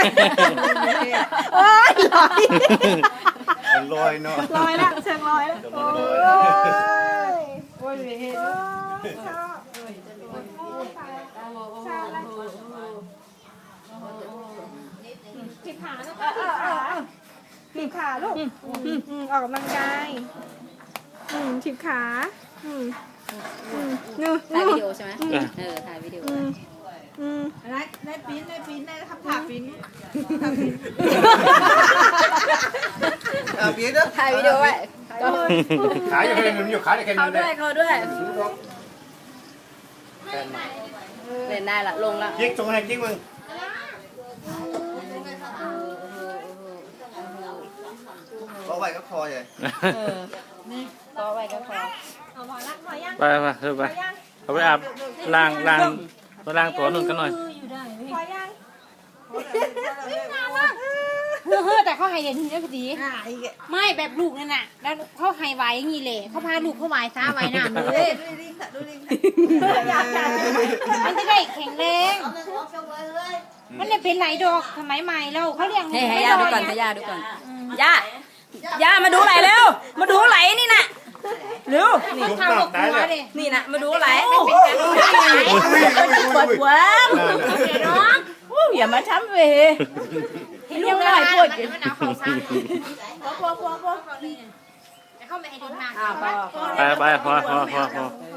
โอ้ยลอยมันลอยเนาะลอยละเชิงลอยละโอ้ยโอ้ยเฮ็ดชอบชอบละถีบขาลูกถีบขาลูกออกกำลังกายถีบขานู่ถ่ายวิดีโอใช่ไหมถ่ายวิดีโอได้ปีนได้ทำขาปีนเปียเด้อถ่ายวิดีโอไว้ขาอยู่แค่นึงอยู่ขาแค่นึเขางด้วยเขาด้วยเล่นได้ละลงละยิงตรงไหนยิงมึง ก็ไว้ก็คอใหญ่ก็ไว้ก็พอเอาพอละพอยังไปเอาไปอาบล้างตัวนุ่นกันหน่อยพอยังแต่เขาให้เด่นทีนี้พอดีไม่แบบลูกนั่นน่ะแล้วเขาให้ไว้อย่างนี้เลยเขาพาลูกเขาไว้ซ้าไว้น้ำเลยมันจะได้แข็งแรงมันเลยเป็นไหลดอกสมัยใหม่เราเขาเรียกให้ย่าดูก่อนให้ย่าดูก่อนย่ามาดูไหลเร็วมาดูไหลนี่น่ะเร็วลุกข้าวหนักักบได้หัวเลยเลยนี่น่ะมาดูไหลปวดหัวน้องอย่ามาทำเวเห็นยังไงปวดมันเอาเขาซ้ำพอแต่เขาไม่ให้ดึงมากพอไปพอ